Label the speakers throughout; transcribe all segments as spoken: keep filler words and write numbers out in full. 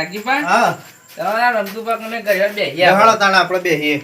Speaker 1: નાગજીભાઈ
Speaker 2: હા
Speaker 1: તમારા રમતુભા કને ઘરે બેહી
Speaker 2: હાલો તાણે આપણે બેહીએ.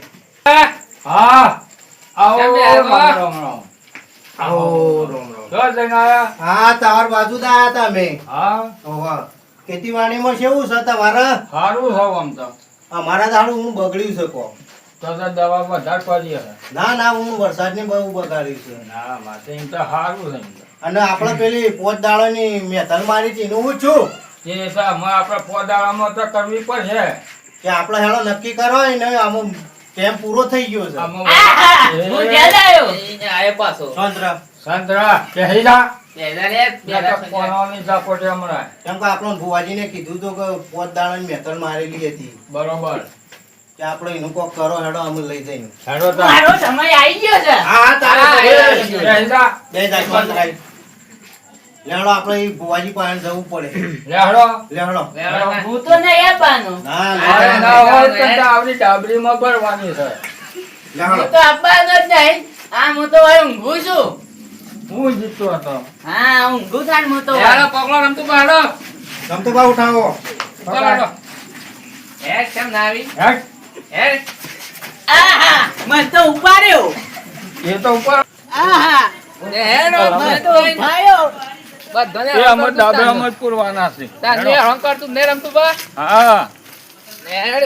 Speaker 3: હા આવો
Speaker 1: કેમ બે
Speaker 3: રામ
Speaker 1: આવ્યા?
Speaker 3: રામ રામ
Speaker 2: આવો.
Speaker 3: રામ રામ જો જઈને આયા
Speaker 2: હા તમાર બાજુ જ આયા તા અમે.
Speaker 3: હા
Speaker 2: ઓહો. ખેતીવાડીમાં કેવું છે તમારે?
Speaker 3: સારું છે આમ તો
Speaker 2: અમારા દાડું હું બગડ્યું છે કો.
Speaker 3: તો તો દવા વધારે પડી હશે
Speaker 2: ના ના હું વરસાદની બહુ બગાડ્યું છે.
Speaker 3: ના માથે એમ તો સારું છે એમ તો
Speaker 2: અને આપણે પેલી પોત દાડોની મેથલ મારી હતી એનું હું છું
Speaker 3: એ તો અમારે આપણે પોદાળામાં તો કરવી પડશે
Speaker 2: કે આપણે હેળો નક્કી કરો ને આમ કેમ પૂરો થઈ ગયો છે.
Speaker 3: આમાં
Speaker 1: હું
Speaker 3: એ,
Speaker 1: ઘેર આવ્યો એને આયો પાછો
Speaker 2: સંતરા.
Speaker 3: સંતરા કહી જા
Speaker 1: બેહલા રે બેહલા
Speaker 3: નકર કોણોની ઝાપોટે હમણાં
Speaker 2: કેમ કે આપણો ભુવાજીને કીધું હતું કે પોત દાડોની મેથલ મારેલી હતી
Speaker 3: બરોબર
Speaker 2: કે આપણે એનું કોક કરો હેડો અમે લઈ જઈને.
Speaker 3: હેડો તા
Speaker 1: મારો સમય આવી ગયો છે
Speaker 2: હા હા તારે
Speaker 1: હા,
Speaker 2: તો
Speaker 1: એ,
Speaker 2: આવી ગયો.
Speaker 3: કહી જા
Speaker 2: બે જાય સંતરા. લેવડો આપણે ઈ ભુવાજી પાસે જવું પડે.
Speaker 3: લે હેડો
Speaker 2: લેવડો.
Speaker 1: હું તો નહીં આપવાનો
Speaker 2: ના
Speaker 3: અરે
Speaker 2: ના
Speaker 3: ના હોય તો તો આવડી ડાબરીમાં ભરવાની છે
Speaker 1: હું
Speaker 2: લેવડો.
Speaker 1: તો આપવાનો જ નહીં આ હું તો હવે ઊંઘું છું
Speaker 3: હું જીતતો હતો
Speaker 1: હા ઊંઘું થાય ને હું તો
Speaker 4: હેડો પકડો રમતુભા હેડો
Speaker 2: તમ તો બા ઉઠાવો.
Speaker 4: ચાલો હેડો
Speaker 1: હે કેમ ના આવી
Speaker 3: હેડ
Speaker 1: હે આહા મને તો ઉપાડ્યો
Speaker 3: એ તો ઉપર
Speaker 1: આહા
Speaker 4: હેડો
Speaker 1: મને તો ઉપાડ્યો
Speaker 4: બધાને
Speaker 3: એ અમે ડાબરામાં જ પૂરવાના છે
Speaker 4: તાને અહંકાર તું ને રમતુભા
Speaker 3: હા
Speaker 4: હેડ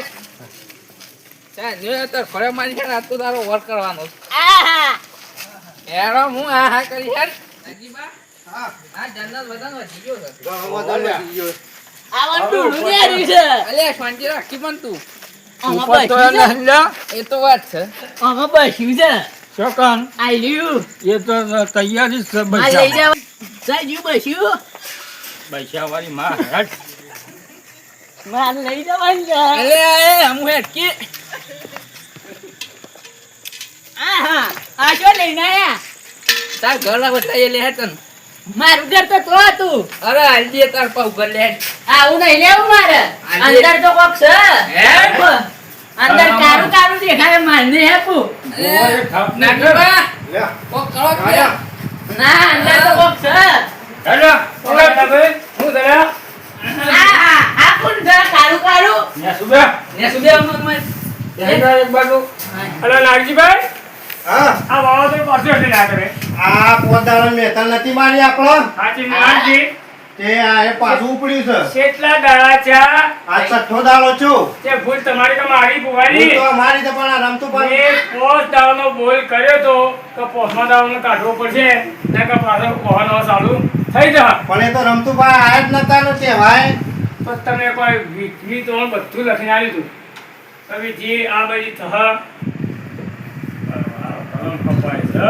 Speaker 4: તા ને તો ખરે મારી છે ને આજ તો તારો વર્ક કરવાનો
Speaker 1: આહા
Speaker 4: હેડો હું આ હા કરી હેડ નાગજીભા
Speaker 2: હા.
Speaker 4: આ જન્નત વતન વધી ગયો છે
Speaker 2: ગણો બધો વધી ગયો.
Speaker 1: આવા ટૂડું ને આવ્યું છે
Speaker 4: અલે શાંતિ રાખી પણ તું
Speaker 1: આમાં
Speaker 3: ઉપર તો
Speaker 1: બસ્યું છે
Speaker 3: એને લ્યા
Speaker 4: એ તો વાત છે
Speaker 1: આમાં બસ્યું છે
Speaker 3: ચોકન
Speaker 1: આઈ લ્યુ
Speaker 3: એ તો તૈયારી જ છે
Speaker 1: આ લઈ
Speaker 3: બૈસા
Speaker 1: જાવ સાજુ બસ્યું
Speaker 3: બૈસા વાળી માં હેડ
Speaker 1: માર લઈ જવાનું છે
Speaker 4: અલે એ હમુ હેડકી
Speaker 1: આહા આ શું લઈને આયા
Speaker 4: તાર ઘર ના બતાઈએ લે હેડ તન
Speaker 1: મારું ઘર તો તો હતું
Speaker 4: અરે હાલજી તાર પાઉ ઘર લે હેડ
Speaker 1: આવું નહીં લેવું મારે
Speaker 4: આજે-
Speaker 1: અંદર તો કોક છે
Speaker 4: હે?
Speaker 1: અંદર કારું કારું દેખાય મારને હેપું
Speaker 3: ઓય થાપ ના
Speaker 4: નાગજીભા
Speaker 2: લે.
Speaker 4: કોક કરો કે
Speaker 2: આયા.
Speaker 1: ના અંદર તો કોક છે
Speaker 3: હેડો ઓલા ભાઈ હું દરા
Speaker 1: આહા આ કોણ છે કારું કારું
Speaker 3: ને સુબે
Speaker 4: ને સુબે મત મત
Speaker 3: હેડો એક બાજુ અલા નાગજીભાઈ
Speaker 2: હા
Speaker 3: આ વાવા તો પાછો હટી ના કરે
Speaker 2: આ પોત દાડોની મેથલ નથી મારી આપણો
Speaker 3: સાચી નાગજી
Speaker 2: તે આ એ પાછું ઉપડ્યું છે.
Speaker 3: કેટલા દાડા ચા
Speaker 2: આ છઠ્ઠો દાડો છું.
Speaker 3: તે ભૂલ તમારી કે મારી
Speaker 2: હું
Speaker 3: બુવાની
Speaker 2: તો મારી તો પણ આ રમતું પણ
Speaker 3: એ પોસ્ટ દાવાનો બોલ કર્યો તો કે પોસ્ટમાં દાવાનો કાઢવો પડશે ને કે પાછો કોહનો ચાલુ થઈ જા
Speaker 2: પણ એ તો રમતું ભાઈ આયા જ નતા ને કહેવાય.
Speaker 3: તો તમે કોઈ વીજળી તો બધું લખીને આવ્યું હતું હવે જે આ બધી થહ કલમ કપાય છે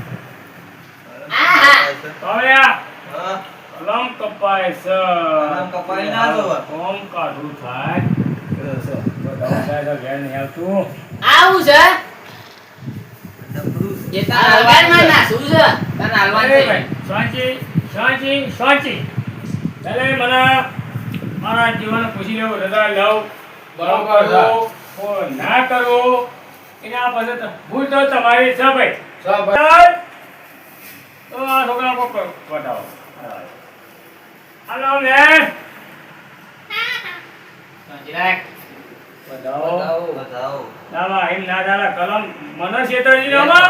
Speaker 1: આહા
Speaker 3: કવળ્યા કલમ કપાય છે
Speaker 2: કલમ કપાય ના જોવે.
Speaker 3: કોમ કાઢું થાય બધા થાય તો ઘેર નહીં આવતું
Speaker 1: આવું છે
Speaker 4: એ
Speaker 1: આ
Speaker 4: તાર
Speaker 1: હવારમાં નાસું છે
Speaker 4: તને હાલવાન
Speaker 3: અરે
Speaker 4: છે
Speaker 3: ભાઈ, શાંતિ શાંતિ શાંતિ ચાલે મને મારા જીવન પૂછી લેવું રજા લઉં
Speaker 4: બરોબર છે.
Speaker 3: કરો, ઓ ના કરો એના પાસે તો ભૂલ તો તમારી છે ભાઈ
Speaker 4: સબ
Speaker 3: ચાલ. તો આ છોકરા કોક બતાવો હાલો બેન
Speaker 4: જરાક
Speaker 3: બતાવો
Speaker 4: બતાવો
Speaker 3: ના બા, એમ ના ચાલે કલમ મને છેતરજી ને આમાં.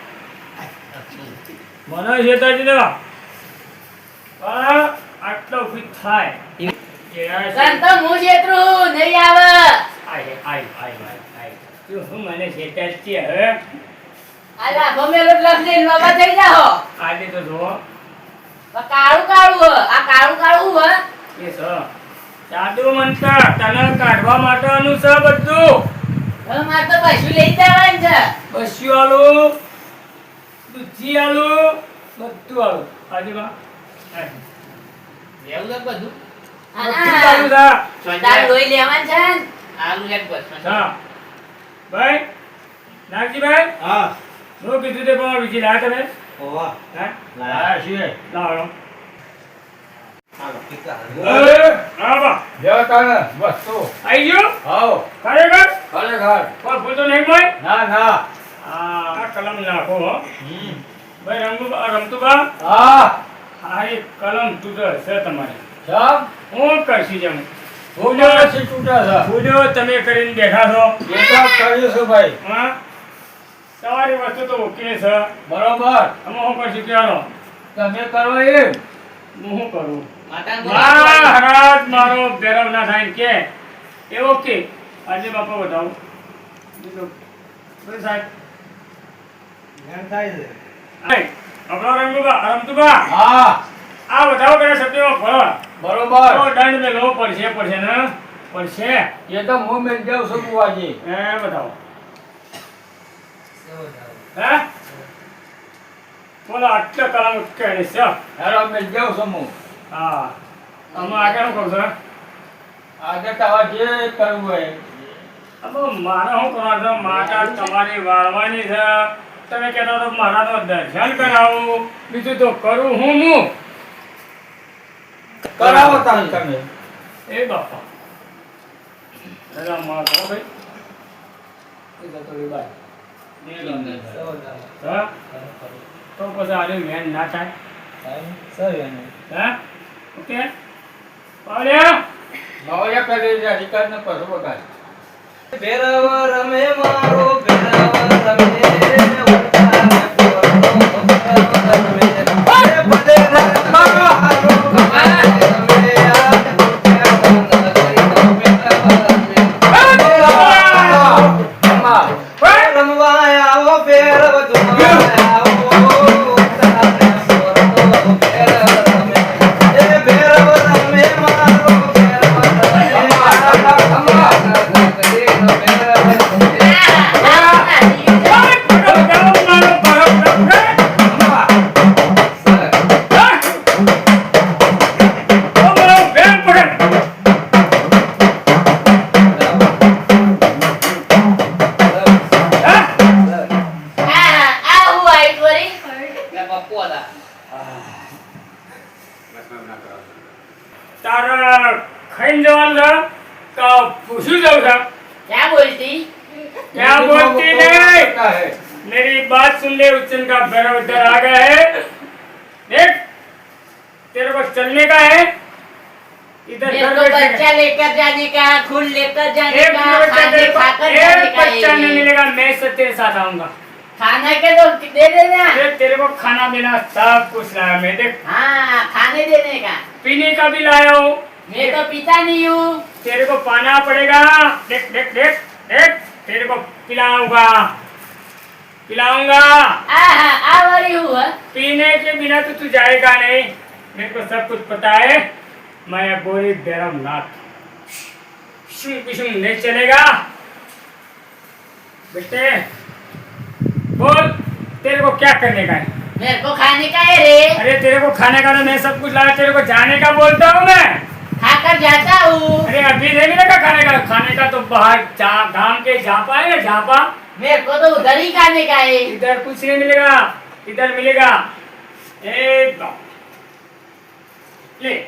Speaker 3: મને છેતરજી ને આમાં. પણ આટલો ફીટ થાય
Speaker 1: સંતો હું જેતરું નહીં આવે
Speaker 3: આય આય આય આય આય તું હું મને છેતરજી હવે
Speaker 1: આ લાભો મેલો લખને નવા થઈ જાઓ
Speaker 3: આજે તો જો
Speaker 1: આ કાળું કાળું હ આ કાળું કાળું હ
Speaker 3: એ સ જાદુ મંત્ર તને કાઢવા માટેનું છે બધું
Speaker 1: હવે મારે તો પશુ લઈ જવાનું છે
Speaker 3: બસ્યું આલું દૂધી આલું બધું આલું આજુબા
Speaker 4: લેવું છે બધું
Speaker 3: બધું ચાલુ થા
Speaker 1: તાર લોહી લેવાનું છે ને?
Speaker 4: આલુ એક બસ
Speaker 3: હા ભાઈ નાગજીભાઈ
Speaker 2: હા
Speaker 3: હું કીધું તે પણ બીજી લાયા તમે
Speaker 2: ઓવા
Speaker 3: હે
Speaker 2: લાયા
Speaker 3: છીએ લાવો
Speaker 2: હાલો ટીકા
Speaker 3: એ આવા
Speaker 4: લેવા તાને બસ તો
Speaker 3: આઈ ગયો
Speaker 4: આવો
Speaker 3: ખરેખર
Speaker 4: ખરેખર
Speaker 3: કોઈ ભૂલ તો નહીં ભાઈ
Speaker 4: ના ના
Speaker 3: આ આ કલમ નાખો હો
Speaker 4: હમ
Speaker 3: ભાઈ રંગુ રમતુબા
Speaker 4: હા
Speaker 3: આ એક કલમ તું તો છે તમારી
Speaker 4: સબ
Speaker 3: હું કરશી જમ ભૂજો
Speaker 5: પછી તૂટા છે.
Speaker 3: ભૂજો તમે કરીને બેઠા છો
Speaker 5: એ તો કર્યું છે ભાઈ.
Speaker 3: હા તમારી વસ્તુ તો ઓકે છે
Speaker 5: બરોબર.
Speaker 3: અમે શું કરશું કહેવાનો
Speaker 5: તમે કરો એમ.
Speaker 3: હું શું કરું
Speaker 1: માતાને
Speaker 3: મહારાજ મારો ભેરવ ના થાય ને કે એ ઓકે આજે બાપા બતાવું બીજું બોલ સાહેબ
Speaker 2: ધ્યાન થાય છે.
Speaker 3: આય, આપણો રમતુબા રમતુબા
Speaker 5: હા
Speaker 3: આ બતાવો કરે સત્યમાં ફળ
Speaker 5: બરોબર.
Speaker 3: તો દંડ મેલો પડશે પડશે ને પડશે
Speaker 5: એ તો હું મેં જાઉં છું બુવાજી.
Speaker 3: એ બતાવો હે બોલો આટલા કલામ કહે છે
Speaker 5: હેરો મેં જાઉં છું હું.
Speaker 3: હા અમે આગળ શું કહું છું
Speaker 5: આજે તમારે જે કરવું હોય.
Speaker 3: હવે મારે શું કરવાનું છે માતા તમારી વાળવાની છે તમે કહેતા તો મારા તો દર્શન કરાવું બીજું તો કરું હું હું
Speaker 5: કરાવો તાન તમે.
Speaker 3: એ બાપા દાદા માં કહો ભાઈ એ જતો રે બાય હા તો પછી આને મેન ના થાય હા ઓકે પાવલ્યા
Speaker 5: નવયા કરી છે અધિકાર ને પશુ બગાડ.
Speaker 4: ભેરવ રમે મારો ભેરવ રમે ઉતારે પોરનો ભેરવ રમે અરે ભલે મારો હારો કમાય રમે યાદ ભેરવ રમવા આવો ભેરવ ધુમા આવો ઉતારે પોરનો ભેરવ રમે એ ભેરવ રમે મારો ભેરવ રમે
Speaker 3: તારા ખાઈને જવાનું છે તો પૂછ્યું જવું છે
Speaker 1: क्या बोलती
Speaker 3: क्या बोलती नहीं मेरी बात सुन ले उच्चन का भैरव इधर आ गया है देख तेरे को चलने का है इधर
Speaker 1: मेरे
Speaker 3: घर
Speaker 1: को
Speaker 3: बैठने
Speaker 1: बच्चा लेकर जाने का खून लेकर
Speaker 3: का
Speaker 1: जाने
Speaker 3: एक
Speaker 1: का
Speaker 3: बच्चा
Speaker 1: खाने
Speaker 3: तेरे को
Speaker 1: खाकर जाने
Speaker 3: एक
Speaker 1: का
Speaker 3: बच्चा नहीं
Speaker 1: है।
Speaker 3: मिलेगा मैं सब तेरे साथ आऊंगा
Speaker 1: खाना के तो दे देना
Speaker 3: देख तेरे को खाना पीना सब कुछ लाया मैं देख
Speaker 1: हाँ खाने देने का
Speaker 3: पीने का भी लाया हूँ
Speaker 1: मैं तो पीता नहीं हूँ
Speaker 3: तेरे को पाना पड़ेगा देख देख देख देख तेरे को पिलाऊंगा पिलाऊंगा
Speaker 1: आहा आवरी हुआ
Speaker 3: पीने के बिना तो तू जाएगा नहीं मेरे को सब कुछ पता है मैं बोरी भैरव नाथ शुम बिशुम नहीं चलेगा बेटे बोल तेरे को क्या करने का है
Speaker 1: मेरे को खाने का है रे
Speaker 3: अरे तेरे को खाने का तो मैं सब कुछ लाया तेरे को जाने का बोलता हूँ मैं
Speaker 1: खाकर जाता हूँ
Speaker 3: अरे अभी नहीं मिलेगा खाने का खाने का तो बाहर जा गांव के झापा है ना झापा
Speaker 1: मेरे को तो उधर ही खाने का है
Speaker 3: इधर कुछ नहीं मिलेगा इधर मिलेगा एक ले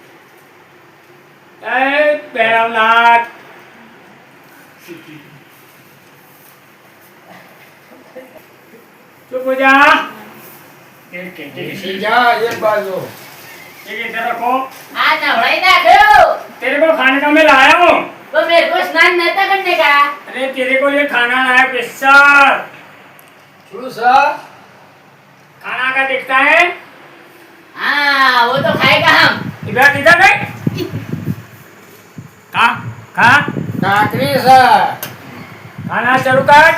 Speaker 3: ए भैरवनाथ चुप हो जा एक एक एक
Speaker 5: સીધા એક બાજુ.
Speaker 3: एक इधर रखो
Speaker 1: हाँ नवड़ाई ना करो
Speaker 3: तेरे को खाने का मैं लाया हूँ
Speaker 1: तो मेरे को स्नान नहीं था करने का
Speaker 3: अरे तेरे को ये खाना लाया स्पेशल
Speaker 5: શું છે?
Speaker 3: खाना का दिखता है
Speaker 1: हाँ वो तो खाएगा हम
Speaker 3: इधर इधर नहीं खा खा
Speaker 5: કાકરી છે.
Speaker 3: खाना चालू कर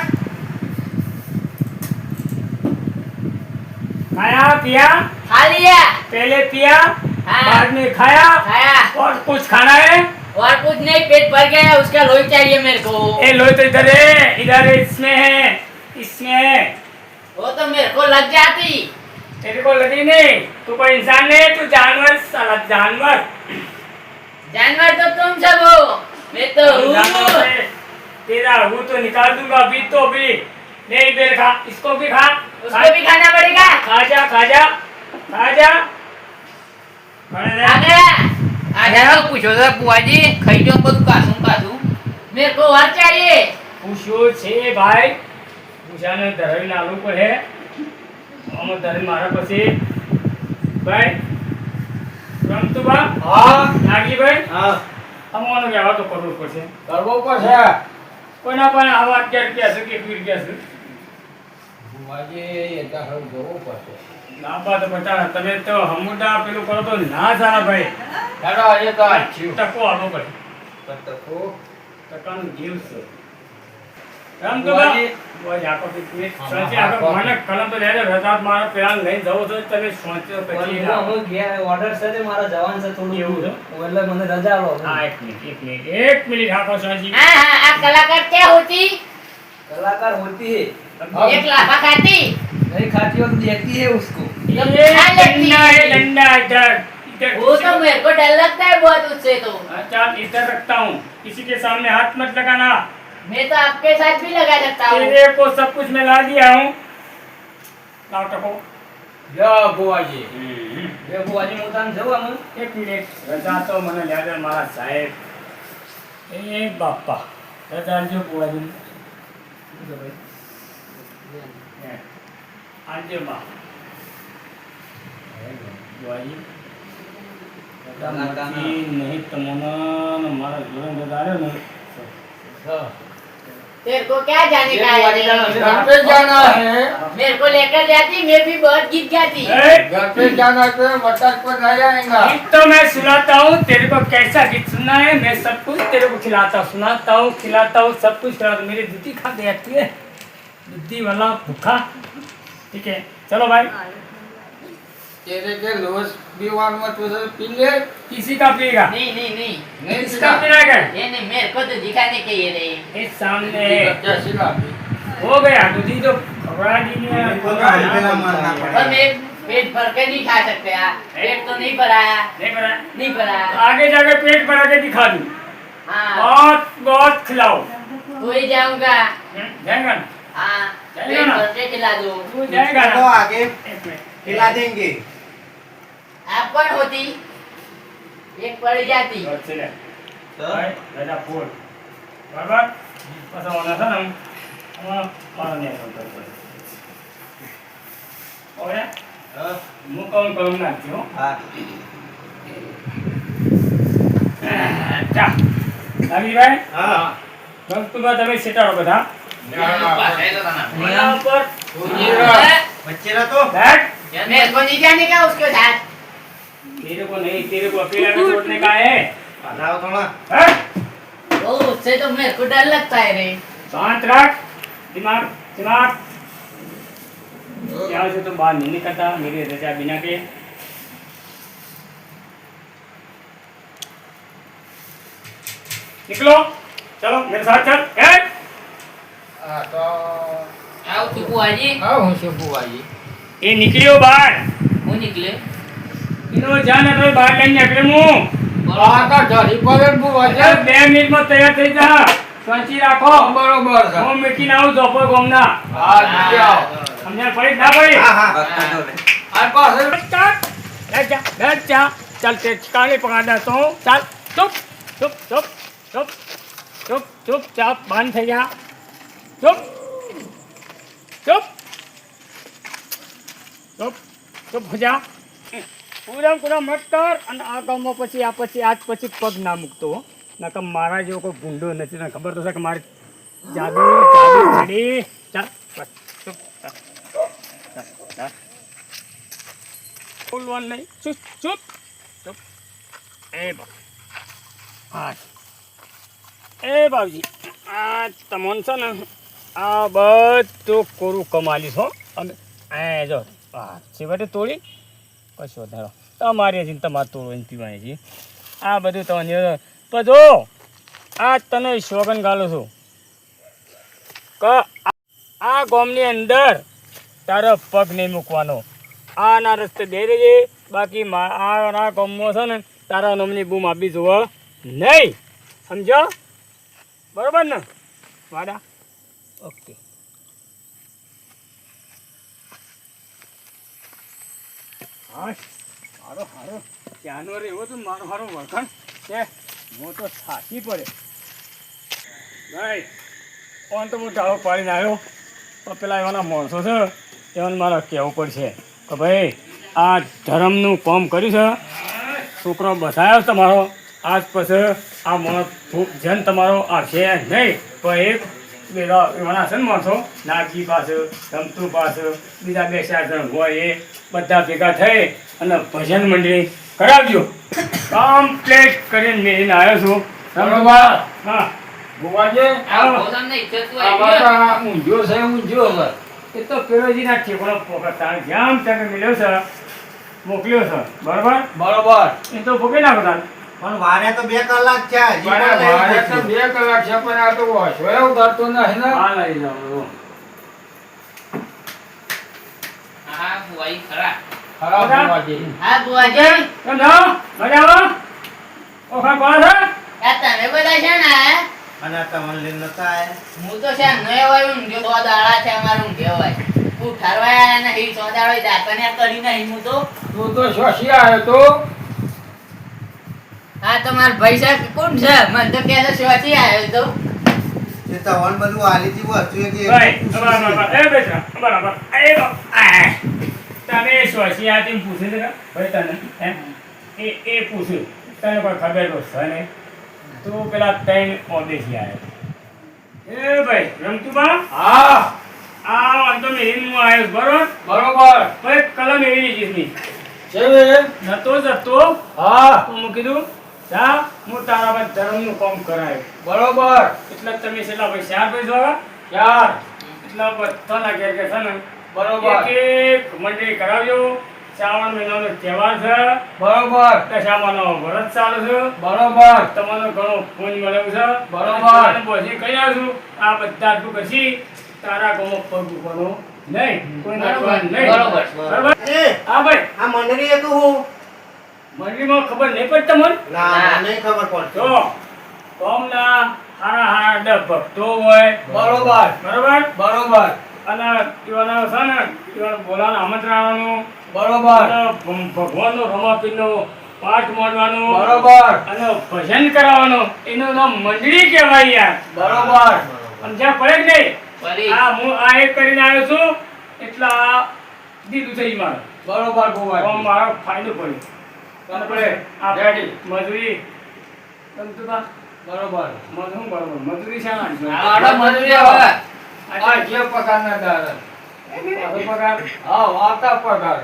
Speaker 3: खाया पिया
Speaker 1: खा लिया
Speaker 3: पहले पिया
Speaker 1: हाँ।
Speaker 3: बाद में खाया
Speaker 1: खाया
Speaker 3: और कुछ खाना है
Speaker 1: और कुछ नहीं पेट भर गया उसका लोही चाहिए मेरे को
Speaker 3: ए लो तो इधर है इधर है इसमें है इसमें है
Speaker 1: वो तो मेरे को लग जाती
Speaker 3: तेरे को लगी नहीं तू कोई इंसान नहीं तू जानवर साला जानवर
Speaker 1: जानवर तो तुम सब हो मैं तो
Speaker 3: जानवर
Speaker 1: हूँ
Speaker 3: है। तेरा हूँ तो निकाल दूंगा अभी तो अभी नहीं बेर खा इसको भी खा
Speaker 1: उसको भी खाना पड़ेगा
Speaker 3: खा जा खा जा खा जा खड़े रह।
Speaker 1: आ गया
Speaker 4: આ હેરો પૂછો તો બુવાજી ખાઈ જો બધું કાસું કાસું.
Speaker 1: मेरे को और चाहिए
Speaker 3: પૂછ્યો છે ભાઈ પૂછાને ધરાવી લાવવું પડે આમાં ધરી મારા પછી ભાઈ રમતું બા
Speaker 5: હા
Speaker 3: નાગી ભાઈ
Speaker 2: હા
Speaker 3: અમારો વ્યવહાર તો કરવો જ પડશે.
Speaker 5: કરવો પડશે.
Speaker 3: કોઈના પણ આવા અગિયાર રૂપિયા છે કે એકવીસ રૂપિયા છે.
Speaker 5: બુવાજી, એ તો હવે જોવું પડશે.
Speaker 3: લાંબા તો બતા તમે તો હમુડા પેલું કરો તો ના સારા ભાઈ.
Speaker 5: ચાલો, એ તો આ થયું.
Speaker 3: ટકો આવવો પડે.
Speaker 5: તકો.
Speaker 3: ટકાનું જીવ છે. એમ તો બા-
Speaker 5: બુવાજી.
Speaker 3: બુવાજી, આખો દી પેટ સોંચી આખો મને કલમ તો લેજો. રજાત મારા પેલા લઈને જવો છો તમે સોંચ્યો પછી ના.
Speaker 6: ઓર્ડર છે તે મારા જવાન છે થોડું
Speaker 3: એવું છે?
Speaker 6: એટલે મને રજા લો
Speaker 3: હા, એક મિનિટ એક મિનિટ એક મિનિટ આખો સોંચી.
Speaker 1: हाँ हाँ आप कलाकार क्या होती
Speaker 6: कलाकार होती है
Speaker 1: एक लाफा खाती
Speaker 6: नहीं खाती हो तो देती है उसको
Speaker 3: ये डंडा है डंडा इधर इधर
Speaker 1: वो तो मेरे को डर लगता है बहुत उससे तो
Speaker 3: अच्छा इधर रखता हूँ किसी के सामने हाथ मत लगाना
Speaker 1: मैं तो आपके साथ भी लगा सकता हूँ
Speaker 3: तेरे को सब कुछ मैं ला दिया हूँ लाओ टको
Speaker 5: જો બુવાજી.
Speaker 3: हम्म,
Speaker 6: ये बुआजी मुतान जवा मन
Speaker 3: एक मिनिट रजा तो મને યાદ है મારા સાહેબ એ બાપા રજા જો બુવાજી આજે માં બુવાજી રજા નથી નહીં તમને મારા જીવન રજા આવ્યો ને
Speaker 1: तेरे को क्या जाने
Speaker 6: ये
Speaker 1: का
Speaker 6: बुआजी
Speaker 1: है
Speaker 6: जाना
Speaker 5: घर पे जाना है.
Speaker 1: मेरे को लेकर जाती मैं भी बहुत गीत गाती
Speaker 3: ए,
Speaker 5: घर पे जाना तो बटक पर नहीं आएगा.
Speaker 3: गीत तो मैं सुनाता हूँ तेरे को कैसा गीत सुनना है मैं सब कुछ तेरे को खिलाता हूँ सुनाता हूँ खिलाता हूँ सब कुछ खिलाता हूँ मेरी दूधी खा दे आती है दूधी वाला भूखा ठीक है चलो भाई
Speaker 5: तेरे के लोस बीवार में तुझे पी ले.
Speaker 3: किसी का पिएगा
Speaker 1: नहीं नहीं नहीं
Speaker 5: नहीं
Speaker 3: किसका पीना है
Speaker 1: ये नहीं मेरे को तो दिखाने के ये रहे
Speaker 3: इस सामने है
Speaker 5: कैसी लागी.
Speaker 3: हो गया दूधी तो खबरा दी ने
Speaker 2: इनको तो हल्के ना मारना
Speaker 1: पर
Speaker 2: पड़ेगा।
Speaker 1: मैं पेट भर के नहीं खा सकते यार पेट तो नहीं भराया
Speaker 3: नहीं बना
Speaker 1: नहीं भराया
Speaker 3: आगे जाके पेट भरा के दिखा दूँ
Speaker 1: हाँ
Speaker 3: बहुत बहुत खिलाओ
Speaker 1: तो ही जाऊंगा
Speaker 3: हम्म, जाएगा ना
Speaker 1: हाँ
Speaker 3: जाएगा
Speaker 1: पेट
Speaker 3: ना?
Speaker 1: भर के खिला दूँ
Speaker 3: तू जाएगा
Speaker 2: तो
Speaker 3: ना
Speaker 2: आगे
Speaker 3: एक मिनट
Speaker 2: खिला देंगे।
Speaker 1: आप कौन होती एक पड़ जाती
Speaker 3: और चले भाई राजा फूल बराबर पासा होना था ना हम मारा नहीं होता और मुंह कौन कौन ना क्यों
Speaker 2: हाँ।
Speaker 3: अच्छा अभी भाई
Speaker 2: हाँ।
Speaker 3: बस तू बात अभी सेटा हो बता यहाँ पर
Speaker 2: बच्चे ना तो
Speaker 3: बैठ
Speaker 1: मेरे को नहीं जाने का उसके साथ
Speaker 3: तेरे को नहीं तेरे को अकेला में छोड़ने का है
Speaker 2: लाओ थोड़ा।
Speaker 3: हैं?
Speaker 1: ओ उससे तो मेरे को डर लगता है रे
Speaker 3: शांत रख दिमाग दिमाग यहाँ से तुम बाहर नहीं निकलता मेरी रजा बिना के निकलो चलो मेरे साथ चल ए!
Speaker 5: हाँ तो
Speaker 1: आओ तू बुआजी
Speaker 5: हाँ हूँ से बुवाजी.
Speaker 3: ये निकलियो बाहर
Speaker 1: वो निकले
Speaker 3: इनो जाना तो बाहर नहीं निकले मुंह
Speaker 5: हाँ तो जरी पर बुवाजी.
Speaker 3: अरे બે મિનિટ માં તૈયાર થઈ જા સ્વચી રાખો
Speaker 5: बरोबर છે.
Speaker 3: હું મીઠી ના આવું ધોપો ગોમના
Speaker 5: हाँ जी आओ.
Speaker 3: સમજણ પડી ના પડી
Speaker 2: हाँ हाँ।
Speaker 5: और पास
Speaker 3: चल बैठ जा बैठ जा चल ते काले पका देता हूँ चल चुप चुप चुप चुप चुप चुप चाप बंद થઈ જા चुप चुप चुप चुप हो जा પૂરા પૂરા મત કર અને આ ગામમાં પછી આ પછી આજ પછી પગ ના મૂકતો હો નકર મારા જેવો કોઈ ભૂંડો નથી ને ખબર તો છે કે મારી જાદુ જાદુ છડી ચાલ બસ ચૂપ ચાલ ચાલ ચાલ બોલવાનું નહીં ચૂપ ચૂપ ચૂપ એ બા હા એ બાબજી આ તમોન છે ને આ બધું કોરું કમાલીશ હો અમે એ જો હા છેવટે તોડી કશો વધારો તમારી હજી તમારે તોડવાની પીવાની છે આ બધું તમને પણ જો આ તને સોગન ગાલો છું કે આ ગામની અંદર તારો પગ નહીં મૂકવાનો આના રસ્તે દઈ દેજે બાકી આ ગામમાં છે ને તારા નામની બૂમ આપી જોવા નહીં સમજો બરોબર ને વાડા ઓકે હા હારો હારો ત્યાંનો રહેવો તો મારો હારો વળખાણ છે હું તો થાકી પડે ભાઈ ઓન તો હું ઢાળો પાડીને આવ્યો પણ પેલા એવાના માણસો છે એવાને મારે કહેવું પડશે કે ભાઈ આ ધર્મનું કામ કર્યું છે છોકરો બસાયો તમારો આજ પછી આ મને ખૂબ જન તમારો આવશે નહીં પણ એક પેલા એવાના છે ને માણસો નાગજી પાસે રમતું પાસે બીજા બે ચાર જણ હોય એ બધા ભેગા થઈ અને ભજન મંડળી કરાવજો કમ્પ્લીટ કરીને મેળીને આવ્યો છું
Speaker 5: બરોબર.
Speaker 3: હા
Speaker 5: ભુવાજી,
Speaker 4: આ ભોજનને ઈચ્છતું
Speaker 5: આ
Speaker 4: આવી
Speaker 5: વાત
Speaker 4: ગયું.
Speaker 5: આ ઊંધિયો છે ઊંધિયો હવે.
Speaker 3: એ તો પેલોજીના ઠેકોનો પોકતા જામ તમે મળ્યો છે મોકલ્યો છે બરાબર
Speaker 5: બરોબર.
Speaker 3: એ તો પોકે નાખો તાર
Speaker 2: પણ વારે તો બે કલાક છે હજી
Speaker 5: મારે
Speaker 2: પણ નહીં
Speaker 5: મારે તો
Speaker 2: પહોંચ્યું.
Speaker 5: બે કલાક છે પણ આ તો વાંચો એવું કરતો નથી ને.
Speaker 3: હા લઈ જાઓ
Speaker 4: હા ભુવાઈ ખરા.
Speaker 5: ખરાબ
Speaker 3: બધા?
Speaker 5: ભુવાજી.
Speaker 1: હા બુઆજી
Speaker 3: કેમ છો મજા આવો ઓખા કોણ છે
Speaker 1: આ તમે બધા છે ને આ?
Speaker 2: અને આ તમને લઈને નતા આયા?
Speaker 1: હું તો છે નય હોય ઊંઘ્યો તો દાડા છે અમારું ઊંઘ્યો હોય હું ઠરવાયા નહીં સો દાડો દાતને કરી નહીં હું તો
Speaker 5: તું તો શોષી આવ્યો તો.
Speaker 1: હા તો માર ભાઈ સાહેબ કોણ છે મને તો કે શોચી આવ્યો તો
Speaker 2: એ તમને બધું આલીથી વસ્તુ એ કે
Speaker 3: ભાઈ બરાબર બરાબર એ બેટા બરાબર એ બા- આ. તને સોશિયાતી પૂછે છે ભાઈ તને એમ એ એ પૂછ્યું તને કોઈ ખબર તો છે નહીં તું પેલા ત્રણ ઓદેશી આવ્યો એ ભાઈ રમતુબા
Speaker 5: હા
Speaker 3: આ અંતો મેં હું આવ્યો બરોબર
Speaker 5: બરોબર.
Speaker 3: ભાઈ કલમ એવી લીધી
Speaker 5: છે
Speaker 3: નતો જતો
Speaker 5: હા
Speaker 3: તો હું કીધું જા હું તારા પર ધર્મનું કામ કરાય
Speaker 5: બરોબર.
Speaker 3: એટલે તમે છેલ્લા ભાઈ ચાર ભાઈ જોવા
Speaker 5: ચાર.
Speaker 3: એટલા બધાના ઘેર કે છે ને
Speaker 5: બરોબર.
Speaker 3: એક એક મંડળી કરાવજો શ્રાવણ મહિનાનો તહેવાર છે
Speaker 5: બરોબર.
Speaker 3: દશામાનો વ્રત ચાલે છે
Speaker 5: બરોબર.
Speaker 3: તમારો ઘણો પુણ્ય મળ્યું છે
Speaker 5: બરોબર.
Speaker 3: અને પછી કહી આવ્યો છું આ બધા તું કરશી તારા ગામમાં પગ મૂકવાનો નહીં કોઈ નાખવાનું નહીં
Speaker 1: બરોબર.
Speaker 3: બરોબર
Speaker 2: એ
Speaker 3: હા ભાઈ
Speaker 2: આ મંડળી એ તો હું
Speaker 3: મંડળીમાં ખબર નહીં પડતી તમને
Speaker 2: ના
Speaker 1: ના.
Speaker 2: મને નહીં ખબર પડતી.
Speaker 3: જો ગામના હારા હારા દસ ભક્તો હોય
Speaker 5: બરોબર.
Speaker 3: બરોબર
Speaker 5: બરોબર.
Speaker 3: અને એવાના છે ને એવાને બોલાવાનું આમંત્રણ આવવાનું
Speaker 5: બરોબર.
Speaker 3: અને ભ- ભગવાનનો રમાપીરનો પાઠ માંડવાનો
Speaker 5: બરોબર.
Speaker 3: અને ભજન કરાવવાનું એનું નામ મંડળી કહેવાય યાર
Speaker 5: બરોબર.
Speaker 3: સમજ્યા પડે કે નહીં
Speaker 4: ફરી
Speaker 3: આ હું આ એક કરીને આવ્યો છું એટલે આ દીધું થઈ મારે
Speaker 5: બરોબર
Speaker 3: તો
Speaker 5: ભુવાજી.
Speaker 3: મારો ફાયદો પડ્યો
Speaker 5: Complete.
Speaker 3: આપણે
Speaker 5: Ready.
Speaker 3: મજૂરી ગમતું તા?
Speaker 5: બરોબર.
Speaker 3: મજૂર બરોબર મજૂરી શાના છે?
Speaker 4: આડો મજૂરી હવે.
Speaker 5: આ જે પગારના દાડા.
Speaker 3: પાછો પગાર
Speaker 5: હા વાતા પગાર.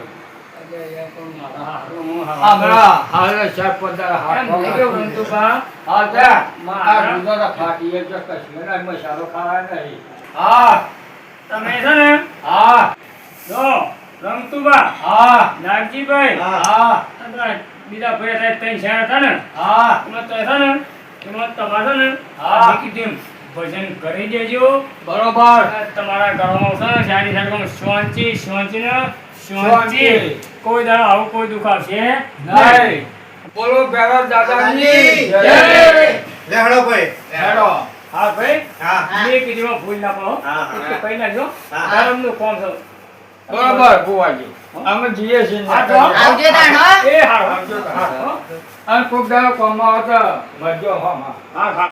Speaker 3: હા, હું હા.
Speaker 5: આમરા હાલે સાહેબ પગાર
Speaker 3: એમ નહીં કેવું ગમતું તા?
Speaker 5: હા જા.
Speaker 3: મારા.
Speaker 5: આ ગુજરાત ફાટી એક કશું એના મસાલો ખાવા નહીં. હા
Speaker 3: તમે છે ને
Speaker 5: હા
Speaker 3: જો રમતુબા
Speaker 5: હા
Speaker 3: નાગજીભાઈ
Speaker 5: હા
Speaker 3: અને બીજા ભાઈ હતા ત્રણ ચાર હતા ને
Speaker 5: હા
Speaker 3: એમાં તો છે ને એમાં તમારે છે ને
Speaker 5: હા.
Speaker 3: આ કીધું ભજન કરી દેજો
Speaker 5: બરોબર.
Speaker 3: આ તમારા ઘરમાં છે ને સારી સારી શાંતિ શાંતિ ને શાંતિ
Speaker 5: શાંતિ.
Speaker 3: કોઈ દાડો આવું કોઈ દુઃખ આવશે
Speaker 5: નહીં. બોલો ભેરવ દાદાની જય.
Speaker 2: લે હળો ભાઈ
Speaker 5: હેડો.
Speaker 3: હા ભાઈ
Speaker 2: હા
Speaker 3: બે કીધું ભૂલ ના પડો
Speaker 2: હા,
Speaker 3: એક
Speaker 2: હા.
Speaker 3: તો કહી નાખજો
Speaker 2: હા.
Speaker 3: ધર્મનું કામ છે
Speaker 5: બરોબર ભુવાજી. અમે જઈએ છીએ
Speaker 3: હા, તો.
Speaker 1: આવજો તાણ હો
Speaker 3: એ હારો
Speaker 5: આવજો. હા. અને ખૂબ દાડો કોમમાં આવતા મજો હા
Speaker 3: હા હા